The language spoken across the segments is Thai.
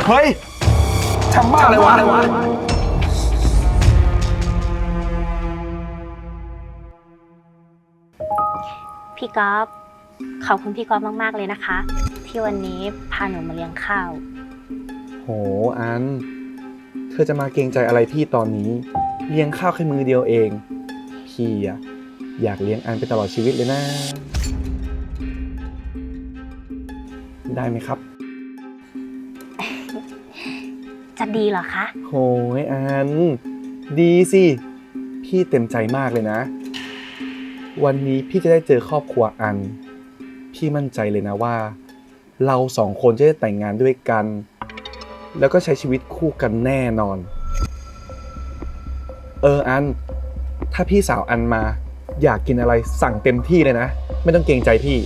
เฮ้ยทำบ้าอะไรวะพี่ก๊อฟขอบคุณพี่ก๊อฟมากๆเลยนะคะ ที่วันนี้พาหนูมาเลี้ยงข้าวโหอันเธอจะมาเกรงใจอะไรพี่ตอนนี้เลี้ยงข้าวแค่มือเดียวเองพี่อะอยากเลี้ยงอันไปตลอดชีวิตเลยนะได้ไหมครับจะดีเหรอคะโหยอันดีสิพี่เต็มใจมากเลยนะวันนี้พี่จะได้เจอครอบครัวอันพี่มั่นใจเลยนะว่าเราสองคนจะได้แต่งงานด้วยกันแล้วก็ใช้ชีวิตคู่กันแน่นอนอันถ้าพี่สาวอันมาอยากกินอะไรสั่งเต็มที่เลยนะไม่ต้องเกรงใจพี่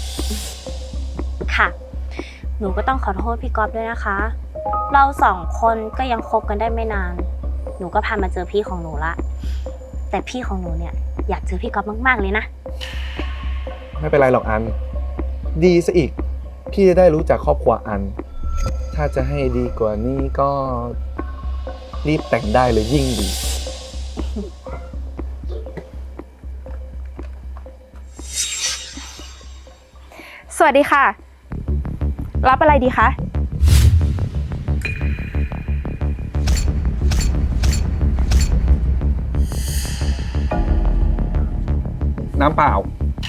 ค่ะหนูก็ต้องขอโทษพี่ก๊อฟด้วยนะคะ เราสองคนก็ยังคบกันได้ไม่นานหนูก็พามาเจอพี่ของหนูละแต่พี่ของหนูเนี่ยอยากเจอพี่ก๊อฟมากๆเลยนะไม่เป็นไรหรอกอันดีซะอีกพี่จะได้รู้จักครอบครัวอันถ้าจะให้ดีกว่านี้ก็รีบแต่งได้เลยยิ่งดีสวัสดีค่ะรับอะไรดีคะน้ำเปล่า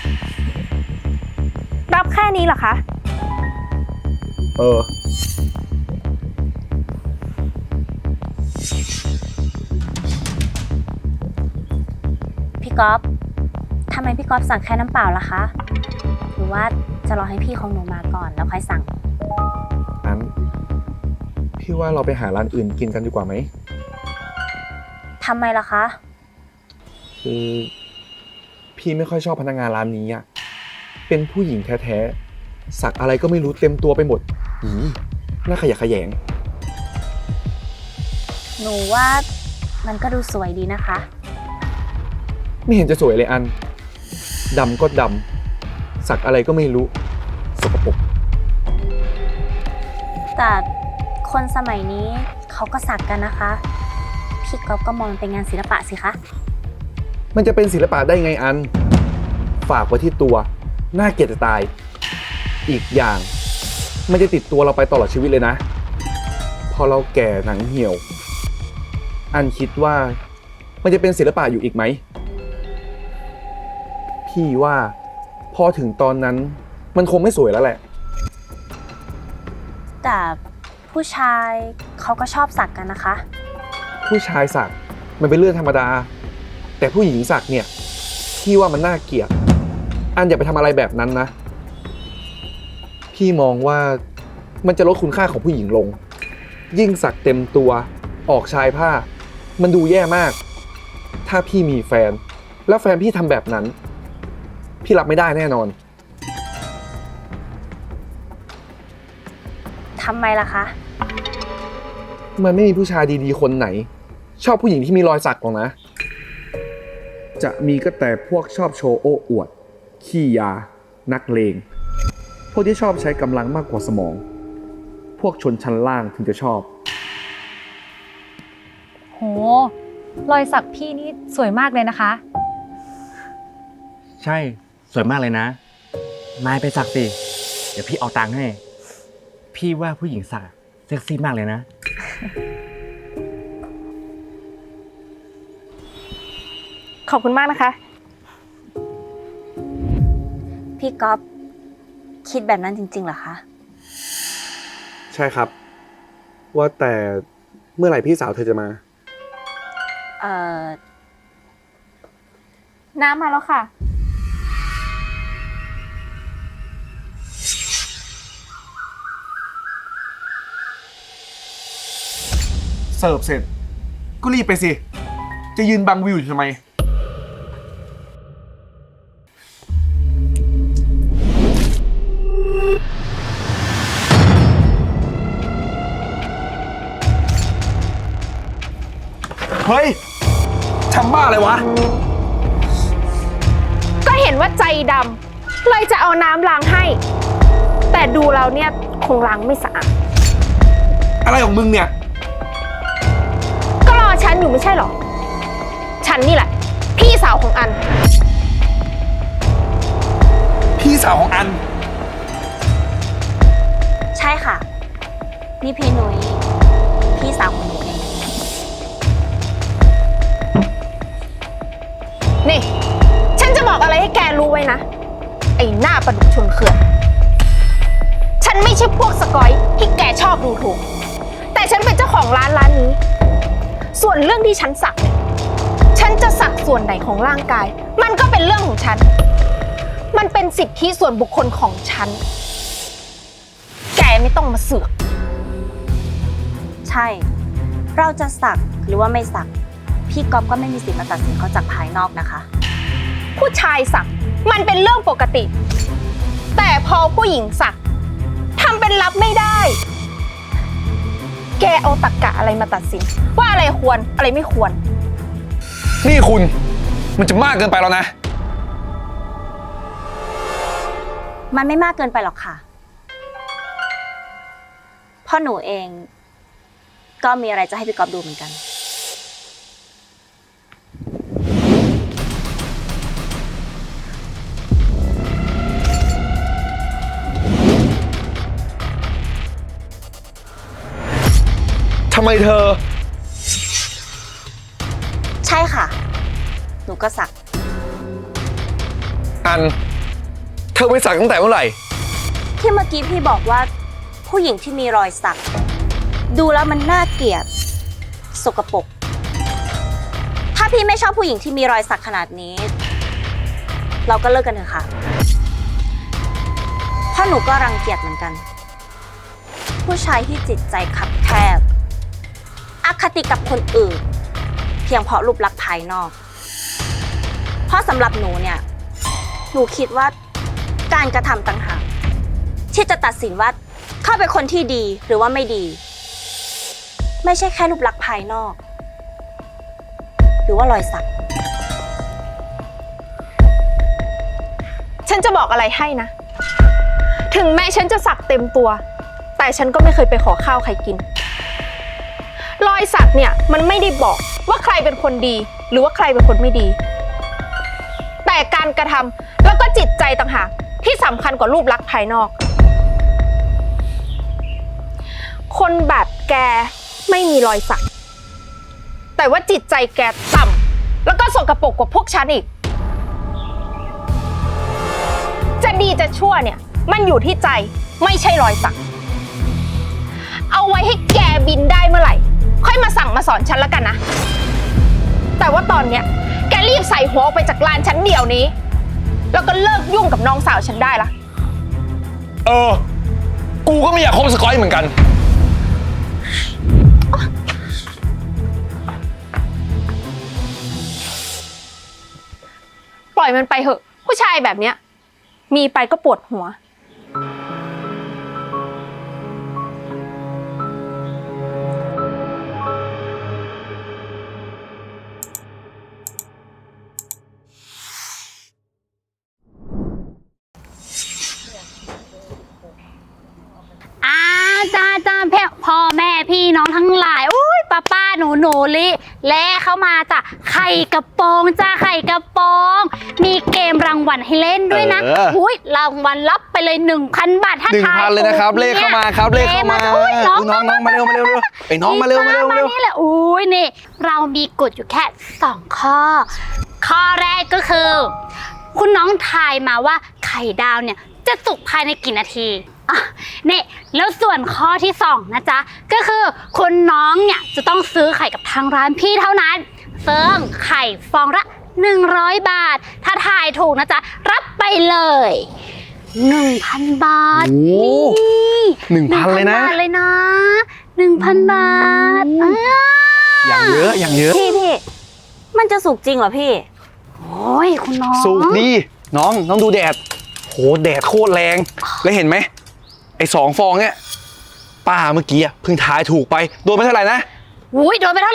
รับแค่นี้เหรอคะพี่ก๊อฟทำไมพี่ก๊อฟสั่งแค่น้ำเปล่าล่ะคะหรือว่าจะรอให้พี่ของหนูมาก่อนแล้วค่อยสั่งอันพี่ว่าเราไปหาร้านอื่นกินกันดีกว่าไหมทำไมล่ะคะคือพี่ไม่ค่อยชอบพนักงานร้านนี้อ่ะเป็นผู้หญิงแท้ๆสักอะไรก็ไม่รู้เต็มตัวไปหมดน่าขยะแขยงหนูว่ามันก็ดูสวยดีนะคะไม่เห็นจะสวยเลยอันดำก็ดำสักอะไรก็ไม่รู้สกปรกแต่คนสมัยนี้เขาก็สักกันนะคะพี่ก๊อฟก็มองเป็นงานศิลปะสิคะมันจะเป็นศิลปะได้ไงอันฝากไว้ที่ตัวน่าเกลียดจะตายอีกอย่างมันจะติดตัวเราไปตลอดชีวิตเลยนะพอเราแก่หนังเหี่ยวอันคิดว่ามันจะเป็นศิลปะอยู่อีกไหมพี่ว่าพอถึงตอนนั้นมันคงไม่สวยแล้วแหละแต่ผู้ชายเขาก็ชอบสักกันนะคะผู้ชายสักมันเป็นเรื่องธรรมดาแต่ผู้หญิงสักเนี่ยพี่ว่ามันน่าเกลียดอันอย่าไปทำอะไรแบบนั้นนะพี่มองว่ามันจะลดคุณค่าของผู้หญิงลงยิ่งสักเต็มตัวออกชายผ้ามันดูแย่มากถ้าพี่มีแฟนแล้วแฟนพี่ทำแบบนั้นพี่รับไม่ได้แน่นอนทำไมล่ะคะมันไม่มีผู้ชายดีๆคนไหนชอบผู้หญิงที่มีรอยสักหรอกนะจะมีก็แต่พวกชอบโชว์โอ้อวดขี้ยานักเลงพวกที่ชอบใช้กำลังมากกว่าสมองพวกชนชั้นล่างถึงจะชอบโหรอยสักพี่นี่สวยมากเลยนะคะใช่สวยมากเลยนะนายไปสักสิเดี๋ยวพี่เอาตังค์ให้พี่ว่าผู้หญิงสักเซ็กซี่มากเลยนะขอบคุณมากนะคะพี่ก๊อฟคิดแบบนั้นจริงๆเหรอคะใช่ครับว่าแต่เมื่อไหร่พี่สาวเธอจะมาน้ำมาแล้วค่ะเสิร์ฟเสร็จก็รีบไปสิจะยืนบังวิวอยู่ทำไมเฮ้ยทำบ้าอะไรวะก็เห็นว่าใจดำเลยจะเอาน้ำล้างให้แต่ดูแล้วเนี่ยคงล้างไม่สะอาดอะไรของมึงเนี่ยก็รอฉันอยู่ไม่ใช่หรอ ฉันนี่แหละ พี่สาวของอันพี่สาวของอันใช่ค่ะ นี่พี่นุ้ยพี่สาวของหนูเองนี่ ฉันจะบอกอะไรให้แกรู้ไว้นะ ไอ้หน้าประดุจชนเขื่อน ฉันไม่ใช่พวกสกอยที่แกชอบดูถูก แต่ฉันเป็นเจ้าของร้านนี้ ส่วนเรื่องที่ฉันสักเนี่ย ฉันจะสักส่วนไหนของร่างกาย มันก็เป็นเรื่องของฉัน มันเป็นสิทธิส่วนบุคคลของฉัน แกไม่ต้องมาเสือกใช่ เราจะสักหรือว่าไม่สัก พี่ก๊อฟก็ไม่มีสิทธิ์มาตัดสินเขาจากภายนอกนะคะผู้ชายสักมันเป็นเรื่องปกติ แต่พอผู้หญิงสักทำเป็นรับไม่ได้ แกเอาตรรกะอะไรมาตัดสิน ว่าอะไรควรอะไรไม่ควรนี่คุณ มันจะมากเกินไปแล้วนะมันไม่มากเกินไปหรอกค่ะเพราะหนูเอง ก็มีอะไรจะให้พี่ก๊อฟดูเหมือนกันทำไมเธอใช่ค่ะ หนูก็สักอัน เธอไปสักตั้งแต่เมื่อไหร่ที่เมื่อกี้พี่บอกว่า ผู้หญิงที่มีรอยสัก ดูแล้วมันน่าเกลียดสกปรกถ้าพี่ไม่ชอบผู้หญิงที่มีรอยสักขนาดนี้ เราก็เลิกกันเถอะค่ะเพราะหนูก็รังเกียจเหมือนกัน ผู้ชายที่จิตใจคับแคบอคติกับคนอื่น เพียงเพราะรูปลักษณ์ภายนอก เพราะสำหรับหนูเนี่ย หนูคิดว่าการกระทำต่างหากที่จะตัดสินว่าเขาเป็นคนที่ดีหรือว่าไม่ดี ไม่ใช่แค่รูปลักษณ์ภายนอก หรือว่ารอยสักฉันจะบอกอะไรให้นะ ถึงแม้ฉันจะสักเต็มตัว แต่ฉันก็ไม่เคยไปขอข้าวใครกิน รอยสักเนี่ยมันไม่ได้บอกว่าใครเป็นคนดี หรือว่าใครเป็นคนไม่ดี แต่การกระทำแล้วก็จิตใจต่างหากที่สำคัญกว่ารูปลักษณ์ภายนอก คนแบบแกไม่มีรอยสัก แต่ว่าจิตใจแกต่ำแล้วก็สกปรกกว่าพวกฉันอีก จะดีจะชั่วเนี่ยมันอยู่ที่ใจไม่ใช่รอยสัก เอาไว้ให้แกบินได้เมื่อไหร่ ค่อยมาสั่งมาสอนฉันแล้วกันนะ แต่ว่าตอนเนี้ยแกรีบใส่หัวออกไปจากร้านฉันเดี๋ยวนี้ แล้วก็เลิกยุ่งกับน้องสาวฉันได้ละกูก็ไม่อยากคบสกอยเหมือนกันปล่อยมันไปเหอะ ผู้ชายแบบเนี้ยมีไปก็ปวดหัวจ้าพ่อแม่พี่น้องทั้งหลายอุ้ยป้าหนูลิและเข้ามาจ้ะไข่กระโปรงจ้าไข่กระโปรงมีเกมรางวัลให้เล่นด้วยนะอุ้ยรางวัลรับไปเลย 1,000 บาทถ้าทาย 1,000เลยนะครับ เลขเข้ามาครับ เลขเข้ามาอุ้ยน้องมาเร็วไอ้น้องมาเร็วนี่แหละอุ้ยนี่เรามีกฎอยู่แค่2ข้อข้อแรกก็คือคุณน้องทายมาว่าไข่ดาวเนี่ยจะสุกภายในกี่นาทีนี่แล้วส่วนข้อที่2นะจ๊ะก็คือคุณน้องเนี่ยจะต้องซื้อไข่กับทางร้านพี่เท่านั้นซึ่งไข่ฟองละ100 บาทถ้าทายถูกนะจ๊ะรับไปเลย 1,000 บาทโอ้นี่ 1,000เลยนะบาทเลยนะ 1,000 บาทอย่างเยอะพี่มันจะสุกจริงเหรอพี่โอ้ยคุณน้องสุกดีน้องดูแดดโหแดดโคตรแรงแล้วเห็นไหมไอ้2 ฟองเนี่ยป้าเมื่อกี้เพิ่งทายถูกไปโดนไปเท่าไหร่นะอุ้ยโดนไปเท่าไหร่นะ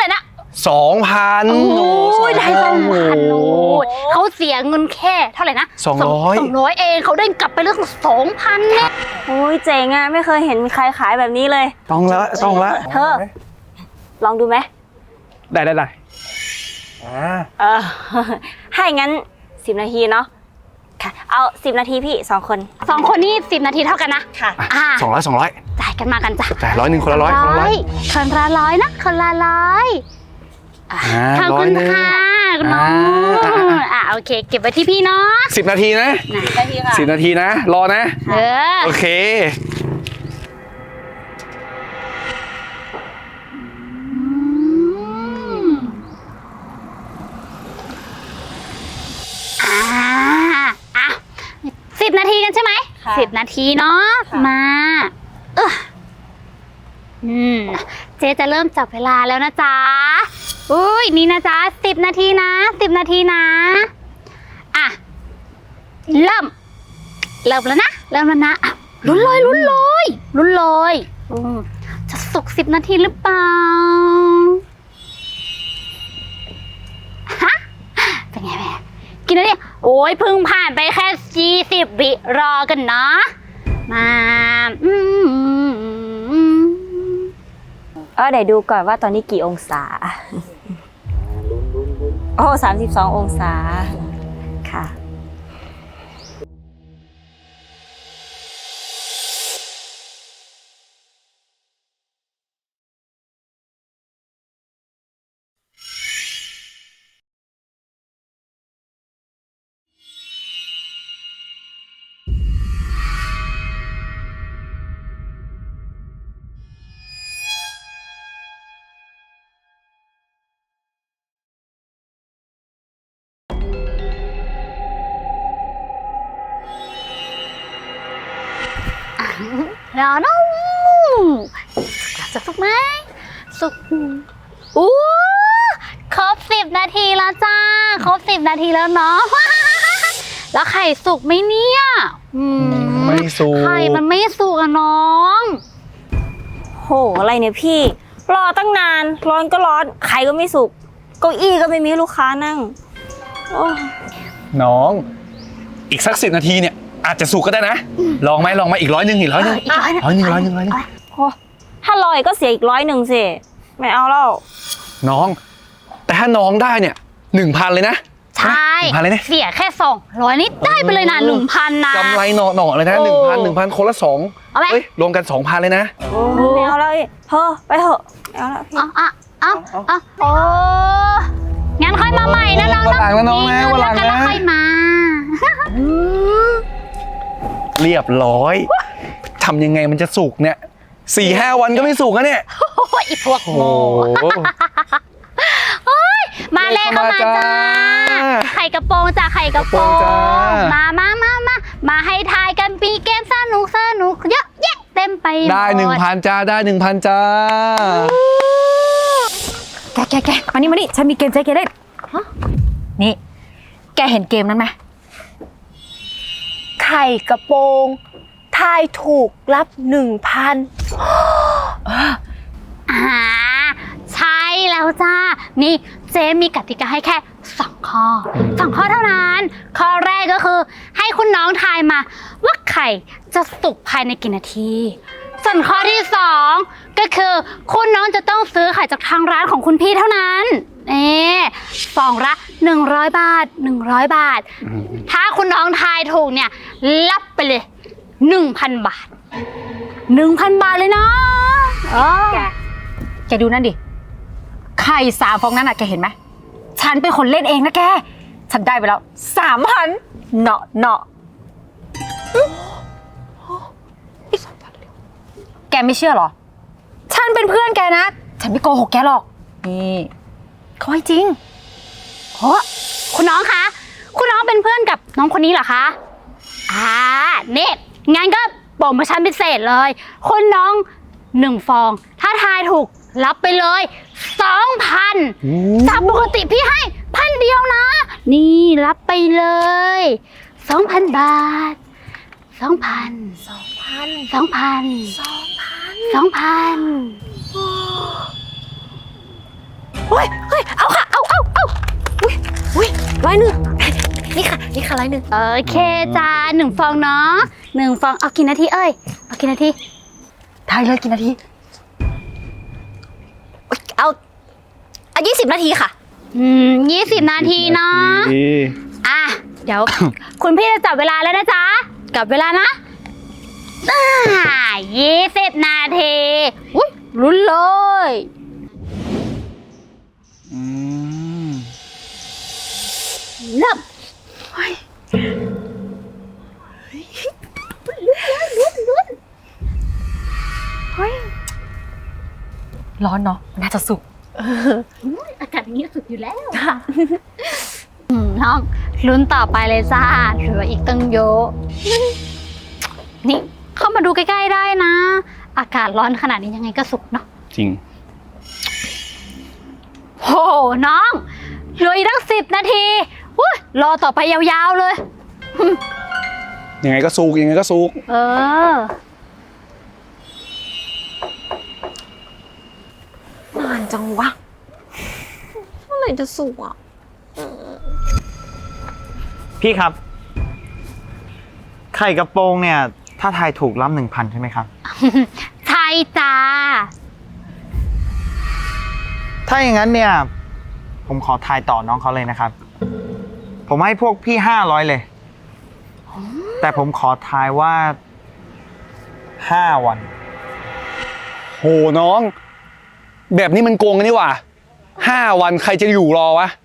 2,000 โอ้ยได้2,000โอ้ยโอ้เขาเสียเงินแค่เท่าไหร่นะ 200 200เองเขาได้กลับไปเรื่อง2,000เนี่ยโอ้ยเจ๋งอ่ะไม่เคยเห็นใครขายแบบนี้เลยต้องละเธอ ลองดูไหมได้เออ ให้งั้น10 นาทีเนาะค่ะ เอา10 นาทีพี่2 คน 2 คนนี่10 นาทีเท่ากันนะค่ะ 200 จ่ายกันมากันจ้ะจ่าย100คนละ100คนละ100 คนละร้อยนะคนละร้อยขอบคุณค่ะคุณน้องโอเค เก็บไว้ที่พี่เนาะ 10 นาทีนะ 10 นาทีค่ะ 10 นาทีนะ รอนะเออโอเค 10 นาทีกันใช่ไหมค่ะ 10 นาทีเนาะค่ะมาเจ๊จะเริ่มจับเวลาแล้วนะจ๊ะอุ้ยนี่นะจ๊ะ10 นาทีนะ10 นาทีนะอ่ะเริ่มแล้วนะอ่ะลุ้นเลยจะสุก10 นาทีหรือเปล่าฮะเป็นไงแม่กินแล้วเนี่ยโอ้ยเพิ่งผ่านไปแค่20 วิรอกันเนาะมาเดี๋ยวดูก่อนว่าตอนนี้กี่องศา โอ้32 องศา ค่ะรอน้องจะสุกไหมสุกอู้ครบ10 นาทีแล้วจ้าครบ10 นาทีแล้วเนาะ แล้วไข่สุกไหมเนี่ยไม่สุกไข่มันไม่สุกอะน้องโห อะไรเนี่ยพี่ รอตั้งนาน ร้อนก็ร้อน ไข่ก็ไม่สุก เก้าอี้ก็ไม่มีให้ลูกค้านั่ง โอ้น้อง อีกสัก10 นาทีเนี่ย อาจจะสุกก็ได้นะ ลองไหมอีก100 อีก100 อีกร้อยหนึ่งโหถ้าลอยก็เสียอีก100สิ ไม่เอาแล้วน้อง แต่ถ้าน้องได้เนี่ย 1,000 เลยนะใช่ 1,000 เลยนะเสียแค่200นี่ได้ไปเลยนะ1,000นะกำไรหน่อเลยนะโอ้ 1,000 คนละเอาไหม 2เฮ้ยรวมกัน 2,000 เลยนะโอ้ไม่เอาแล้วเฮ้อไปเถอะไม่เอาแล้วพี่เอาโอ้งั้นค่อยมาใหม่นะน้องวันหลังนะน้องนะมีเงิวันหลังนะแล้วค่อยมาเรียบร้อยทำยังไงมันจะสุกเนี่ย 4-5 วันก็ไม่สุกนะเนี่ยโอ้ยอีพวกโอ้โง่โหมาเลยเข้ามาจ้า ไข่กระโปรงจ้าไข่กระโปรงกระโปรงจ้ามาให้ทายกันปีเกมสนุกเยอะแยะเต็มไปหมดได้ 1,000 จ้า ได้ 1,000 จ้าแกมานี่ฉันมีเกมใจแกเล่นนี่ แกเห็นเกมนั้นไหมไข่กระโปรงทายถูกรับ 1,000 ใช่แล้วจ้า นี่เจ๊มีกติกาให้แค่2 ข้อ 2 ข้อเท่านั้น ข้อแรกก็คือให้คุณน้องทายมาว่าไข่จะสุกภายในกี่นาที ส่วนข้อที่2ก็คือคุณน้องจะต้องซื้อไข่จากทางร้านของคุณพี่เท่านั้นฟองละ100 บาท100 บาท ถ้าคุณน้องทายถูกเนี่ยรับไปเลย 1,000 บาท 1,000 บาทเลยนะแกดูนั่นดิ ไข่3 ฟองนั้นอ่ะแกเห็นไหม ฉันเป็นคนเล่นเองนะแก ฉันได้ไปแล้ว 3,000เนาะแกไม่เชื่อเหรอ ฉันเป็นเพื่อนแกนะ ฉันไม่โกหกแกหรอก นี่เขาให้จริงโอ้คุณน้องคะ คุณน้องเป็นเพื่อนกับน้องคนนี้เหรอคะนี่งั้นก็โปรโมชั่นพิเศษเลย คุณน้อง1 ฟอง ถ้าทายถูกรับไปเลย 2,000 จากปกติพี่ให้1,000 เดียวนะ นี่รับไปเลย 2,000 บาท 2,000 เฮ้ยเอาค่ะ เอาอุ้ย100นี่ค่ะ100 โอเคจ้า1 ฟองเนาะ1 ฟองเอากี่นาทีเอ้ยเอากี่นาทีทายเลยกี่นาที เอา20 นาทีค่ะ 20 นาทีเนาะอ่ะเดี๋ยว คุณพี่จะจับเวลาแล้วนะจ๊ะจับเวลานะ20 นาทีอุ้ยลุ้นเลยเริ่มร้อนเนาะน่าจะสุกอากาศอย่างนี้สุดอยู่แล้วน้องลุ้นต่อไปเลยจ้าเหลืออีกตั้งเยอะนี่เข้ามาดูใกล้ๆได้นะ อากาศร้อนขนาดนี้ยังไงก็สุกเนาะจริงโหน้องเหลืออีกตั้ง10 นาทีอุ๊ยรอต่อไปยาวๆเลยยังไงก็สุกยังไงก็สุกเออนานจังวะเมื่อไหร่จะสุกอ่ะพี่ครับ ไข่กระโปรงเนี่ย ถ้าทายถูกรับ 1,000 ใช่ไหมครับใช่จ้าถ้าอย่างนั้นเนี่ย ผมขอทายต่อน้องเขาเลยนะครับ ผมให้พวกพี่500 เลย แต่ผมขอทายว่า5 วันโหน้อง แบบนี้มันโกงกันนี่หว่า5 วันใครจะอยู่รอวะ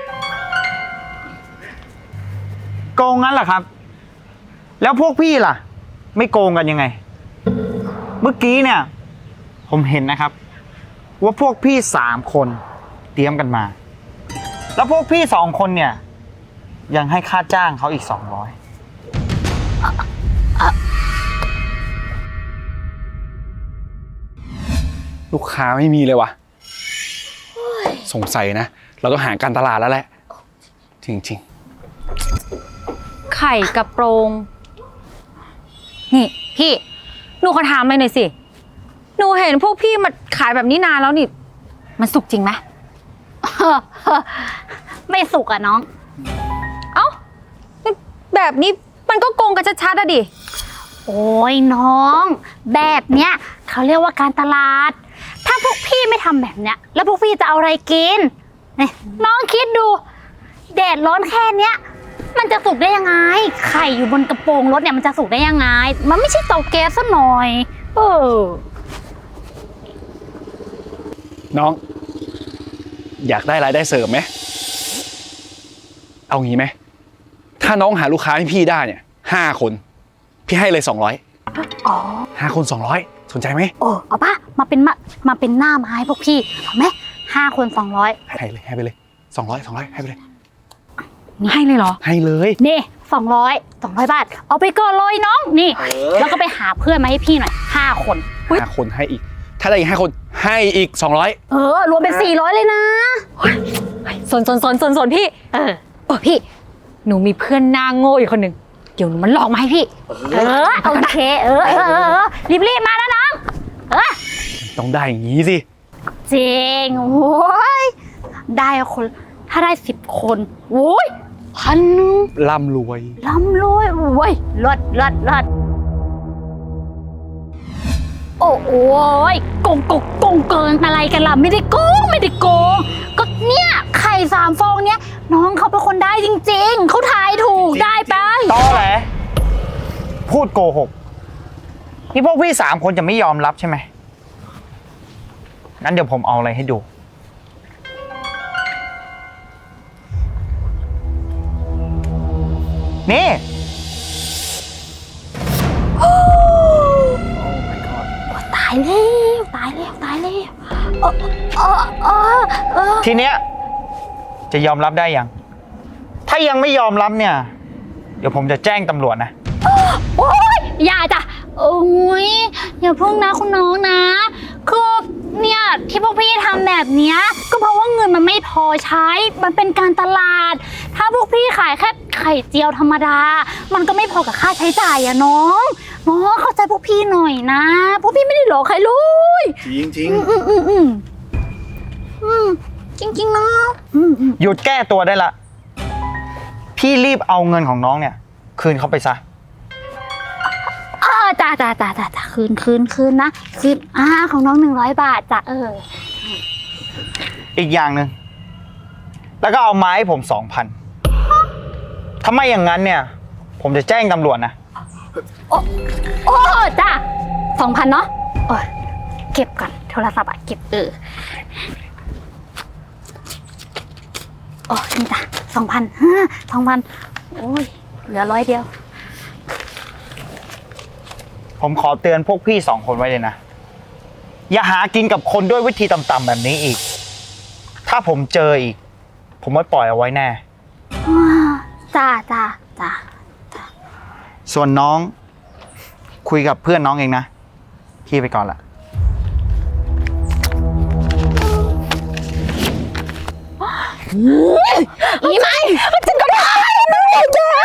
โกงงั้นเหรอครับ แล้วพวกพี่ล่ะ ไม่โกงกันยังไง เมื่อกี้เนี่ย ผมเห็นนะครับ ว่าพวกพี่3 คนเตรียมกันมา แล้วพวกพี่2 คนเนี่ย ยังให้ค่าจ้างเขาอีก200 ลูกค้าไม่มีเลยวะสงสัยนะ เราต้องหาการตลาดแล้วแหละ จริงไข่กระโปรง นี่พี่หนูขอถามเลยหน่อยสิหนูเห็นพวกพี่มาขายแบบนี้นานแล้วนี่มันสุกจริงไหมไม่สุกอะน้องเอ้าแบบนี้มันก็โกงกันชัดๆอะดิโอ้ยน้อง แบบเนี้ยเขาเรียกว่าการตลาด ถ้าพวกพี่ไม่ทำแบบเนี้ยแล้วพวกพี่จะเอาอะไรกินนี่น้องคิดดูแดดร้อนแค่เนี้ยมันจะสุกได้ยังไงไข่อยู่บนกระโปรงรถเนี่ยมันจะสุกได้ยังไงมันไม่ใช่เตาแก๊สซะหน่อยน้อง อยากได้รายได้เสริมไหม เอางี้ไหม ถ้าน้องหาลูกค้าให้พี่ได้เนี่ย5 คน พี่ให้เลย200 อ๋อ 5 คน 200 สนใจไหมเอาป่ะมาเป็นหน้าไม้พวกพี่เอาไหม5 คน200 ให้เลยให้ไปเลย200ให้ไปเลยให้เลยเหรอให้เลยนี่200 บาทเอาไปก่อนเลยน้องนี่แล้วก็ไปหาเพื่อนมาให้พี่หน่อย5 คน 5 คนให้อีก ถ้าได้อีก5 คนให้อีก200 รวมเป็น400เลยนะสนพี่พี่หนูมีเพื่อนหน้าโง่อีกคนหนึ่งเดี๋ยวหนูมันหลอกมาให้พี่โอเครีบมานะน้องต้องได้อย่างนี้สิจริงโอ้ยได้คนถ้าได้10 คนโอ้ย1,000 ร่ำรวยร่ำรวยโอ้ยเลิศโอ้ยโกงเกินอะไรกันล่ะไม่ได้โกงก็เนี่ยไข่3 ฟองเนี้ยน้องเขาเป็นคนได้จริงๆเขาทายถูกได้ไปตอแหลพูดโกหก นี่พวกพี่3 คนจะไม่ยอมรับใช่ไหม งั้นเดี๋ยวผมเอาอะไรให้ดู นี่ตายแล้วทีเนี้ยจะยอมรับได้ยัง ถ้ายังไม่ยอมรับเนี่ย เดี๋ยวผมจะแจ้งตำรวจนะโอ๊ยอย่าจ้ะโอ้ยอย่าเพิ่งนะคุณน้องนะคือเนี่ยที่พวกพี่ทำแบบเนี้ยก็เพราะว่าเงินมันไม่พอใช้มันเป็นการตลาด ถ้าพวกพี่ขายแค่ไข่เจียวธรรมดามันก็ไม่พอกับค่าใช้จ่ายอะน้องเข้าใจพวกพี่หน่อยนะพวกพี่ไม่ได้หลอกใครเลยจริงจริงๆนะหยุดแก้ตัวได้ละ พี่รีบเอาเงินของน้องเนี่ย คืนเขาไปซะจ้าคืนนะคืนของน้อง100 บาทจ้ะอีกอย่างหนึ่งแล้วก็เอาไม้ให้ผม 2,000ถ้าไม่อย่างนั้นเนี่ย ผมจะแจ้งตำรวจนะโอ้จ้า2,000เนาะโอ้ยเก็บก่อนโทรศัพท์เก็บโอ้นี่จ้ะ2,000 โอ้ยเหลือ100 เดียวผมขอเตือนพวกพี่2 คนไว้เลยนะ อย่าหากินกับคนด้วยวิธีต่ำๆแบบนี้อีก ถ้าผมเจออีก ผมไม่ปล่อยเอาไว้แน่จ้าส่วนน้องคุยกับเพื่อนน้องเองนะ พี่ไปก่อนละอีไหมฉันก็ได้